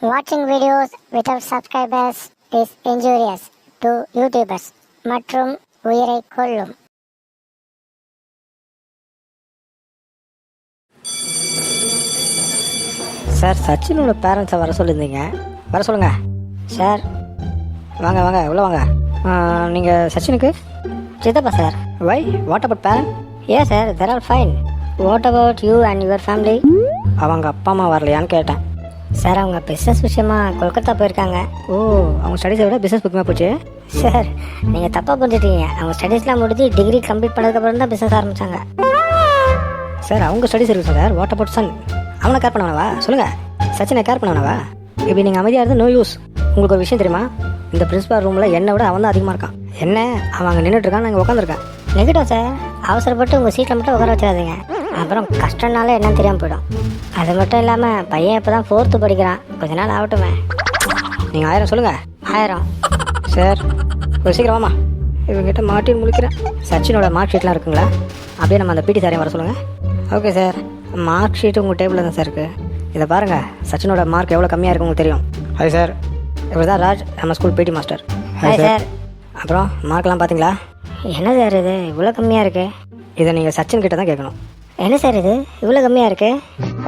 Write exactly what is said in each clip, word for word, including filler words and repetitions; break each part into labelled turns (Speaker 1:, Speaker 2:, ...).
Speaker 1: Watching videos without subscribers is injurious to YouTubers மற்றும் உயிரை கொல்லும்.
Speaker 2: சார், சச்சினோட பேரண்ட்ஸை வர சொல்லியிருந்தீங்க, வர சொல்லுங்க. சார் வாங்க வாங்க உள்ளே வாங்க. நீங்கள் சச்சினுக்கு சித்தப்பா sir. Why what about parent? ஏ sir, there are fine. What about you and your family? அவங்க அப்பா அம்மா வரலையான்னு கேட்டேன். சார், அவங்க பிஸ்னஸ் விஷயமா கொல்கத்தா போயிருக்காங்க. ஓ, அவங்க ஸ்டடீஸை விட பிஸ்னஸ் முக்கியமாக போச்சு. சார், நீங்கள் தப்பாக புரிஞ்சுட்டீங்க. அவங்க ஸ்டடீஸ்லாம் முடிஞ்சு டிகிரி கம்ப்ளீட் பண்ணதுக்கப்புறம் தான் பிஸ்னஸ் ஆரம்பித்தாங்க. சார், அவங்க ஸ்டடீஸ் இருக்குது சார். What about son? அவனை கேர் பண்ணவனவா? சொல்லுங்கள். சச்சினை கேர் பண்ணவனவா? இப்படி நீங்கள் அமைதியாக இருந்து நோ யூஸ். உங்களுக்கு ஒரு விஷயம் தெரியுமா? இந்த பிரின்சிபால் ரூமில் என்னை விட அவன் தான் அதிகமாக இருக்கான். என்ன, அவன் அங்கே நின்றுட்டு இருக்கான், நாங்கள் உட்காந்துருக்கேன். நெகட்டிவ் சார், அவசரப்பட்டு உங்கள் சீட்டில் மட்டும் உட்கார வச்சிடாதீங்க. அப்புறம் கஷ்டம்னால என்னன்னு தெரியாமல் போயிடும். அது மட்டும் இல்லாமல் பையன் இப்போ தான் ஃபோர்த்து படிக்கிறான். கொஞ்ச நாள் ஆகட்டுமே. நீங்கள் ஆயிரம் சொல்லுங்கள். ஆயிரம் சார், ஒரு சீக்கிரமாம்மா. இவங்ககிட்ட மாட்டின்னு முழிக்கிறேன். சச்சினோட மார்க் ஷீட்லாம் இருக்குங்களா? அப்படியே நம்ம அந்த பிடி சாரையும் வர சொல்லுங்கள். ஓகே சார், மார்க் ஷீட்டு உங்கள் டேபிளில் தான் சார் இருக்குது. இதை பாருங்கள், சச்சினோட மார்க் எவ்வளோ கம்மியாக இருக்குது உங்களுக்கு தெரியும். ஹாய் சார், இவர் தான் ராஜ், நம்ம school PT master. Hi sir. அப்புறம் மார்க்லாம் பார்த்தீங்களா? என்ன சார் இது இவ்வளோ கம்மியாக இருக்குது? இதை நீங்கள் சச்சின் கிட்ட தான் கேட்கணும். என்ன சார் இது இவ்வளோ கம்மியாக இருக்குது?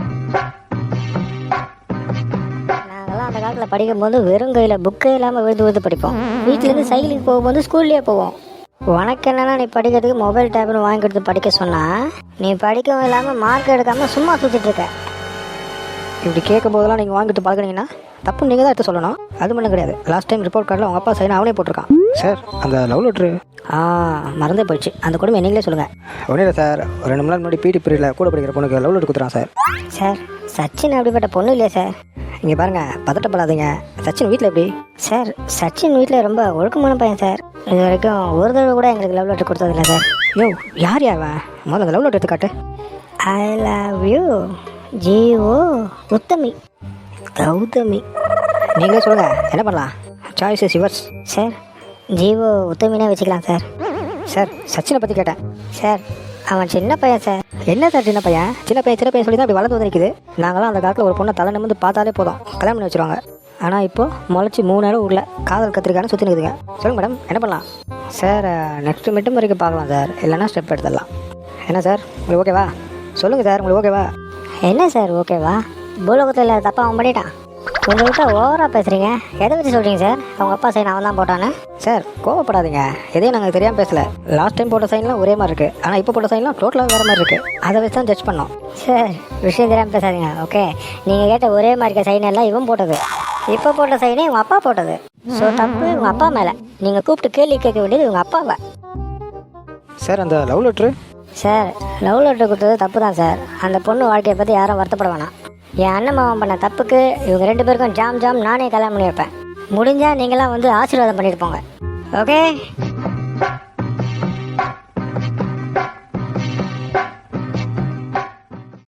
Speaker 2: நாங்கள்லாம் அந்த காலத்தில் படிக்கும்போது வெறும் கையில் புக்கே இல்லாமல் விழுந்து விழுந்து படிப்போம். வீட்டிலேருந்து சைக்கிளுக்கு போகும்போது ஸ்கூல்லேயே போவோம். உனக்கு என்னென்னா, நீ படிக்கிறதுக்கு மொபைல் டேப்னு வாங்கி கொடுத்து படிக்க சொன்னால் நீ படிக்கவும் இல்லாமல் மார்க் எடுக்காமல் சும்மா சுற்றிட்டு இருக்க. இப்படி கேட்கும் போதெல்லாம் நீங்கள் வாங்கிட்டு பழகினீங்கன்னா தப்பு நீங்கள் தான் எடுத்து சொல்லணும். அது மட்டும் கிடையாது, லாஸ்ட் டைம் ரிப்போர்ட் கார்டில் உங்கள் அப்பா சைன் அவனே போட்டிருக்கான். சார், அந்த லவ் லெட்ரு ஆ மறந்தே போயிடுச்சு. அந்த கொடுமை நீங்களே சொல்லுங்கள். ஒன்றும் இல்லை சார், ஒரு ரெண்டு மணி நேரம் முன்னாடி பிடி பீரியடில் கூட படிக்கிற பொண்ணுக்கு லவ் லெட்ரு கொடுத்துறான் சார். சார், சச்சின் அப்படிப்பட்ட பொண்ணு இல்லையா சார்? இங்கே பாருங்கள், பதட்டப்படாதீங்க. சச்சின் வீட்டில் எப்படி? சார், சச்சின் வீட்டில் ரொம்ப ஒழுக்கமான பையன் சார். இது வரைக்கும் ஒரு தடவை கூட எங்களுக்கு லவ் லெட்டர் கொடுத்ததில்ல சார். யோ, யார் யாவா? முதல்ல அந்த லவ் லெட்டர் எடுத்துக்காட்டு. ஐ லவ் யூ ஜிஓ உத்தமி கௌதமி. நீங்களே சொல்லுங்கள், என்ன பண்ணலாம்? Choice is yours. Sir, G O உத்தமினே வச்சுக்கலாம் சார். சார், சச்சினை பற்றி கேட்டேன். சார், அவன் சின்ன பையன் சார். என்ன சார் சின்ன பையன்? சின்ன பையன் சின்ன பையன் சொல்லி தான் அப்படி வளர்ந்து வந்து நிற்குது. நாங்களாம் அந்த காலத்தில் ஒரு பொண்ணை தலை நிமிந்து பார்த்தாலே போதும், கல்யாணம் பண்ணி வச்சுருவாங்க. ஆனால் இப்போது முளைச்சி மூணு நேரம் ஊரில் காதல் கத்திரிக்கான்னு சுற்றி நிற்குதுங்க. சொல்லுங்கள் மேடம், என்ன பண்ணலாம்? சார், நெக்ஸ்ட் மிட்டம் வரைக்கும் பார்க்கலாம் சார், இல்லைன்னா ஸ்டெப் எடுத்துடலாம். என்ன சார், உங்களுக்கு ஓகேவா? சொல்லுங்கள் சார், உங்களுக்கு ஓகேவா? என்ன சார் ஓகேவா? பூலோகத்தில் தப்பாக அவன் பண்ணிட்டான். கொஞ்சம் விட்டா ஓவராக பேசுகிறீங்க. எதை வச்சு சொல்கிறீங்க சார்? அவங்க அப்பா சைன் அவன் தான் போட்டானே. சார், கோவப்படாதீங்க. எதையும் நாங்கள் தெரியாமல் பேசலை. லாஸ்ட் டைம் போட்ட சைன்லாம் ஒரே மாதிரி இருக்குது, ஆனால் இப்போ போட்ட சைன்லாம் டோட்டலாக வேறு மாதிரி இருக்குது. அதை வச்சு தான் ஜட்ஜ் பண்ணோம். சார், விஷயம் தெரியாமல் பேசாதீங்க, ஓகே? நீங்கள் கேட்ட ஒரே மாதிரி சைன் எல்லாம் இவன் போட்டது. இப்போ போட்ட சைனே உங்கள் அப்பா போட்டது. ஸோ தப்பு உங்கள் அப்பா மேலே. நீங்கள் கூப்பிட்டு கேள்வி கேட்க வேண்டியது உங்கள் அப்பாவை. சார், அந்த love letter? Sir, love letter கொடுத்தது தப்பு தான் சார். அந்த பொண்ணு வாழ்க்கையை பற்றி யாரும் வருத்தப்பட வேணாம். என் அண்ணன் மாமன் பண்ண தப்புக்கு இவங்க ரெண்டு பேருக்கும் ஜாம் ஜாம் நானே கல்யாணம் பண்ணி வைப்பேன். முடிஞ்சால் நீங்களாம் வந்து ஆசீர்வாதம் பண்ணிட்டு போங்க, ஓகே?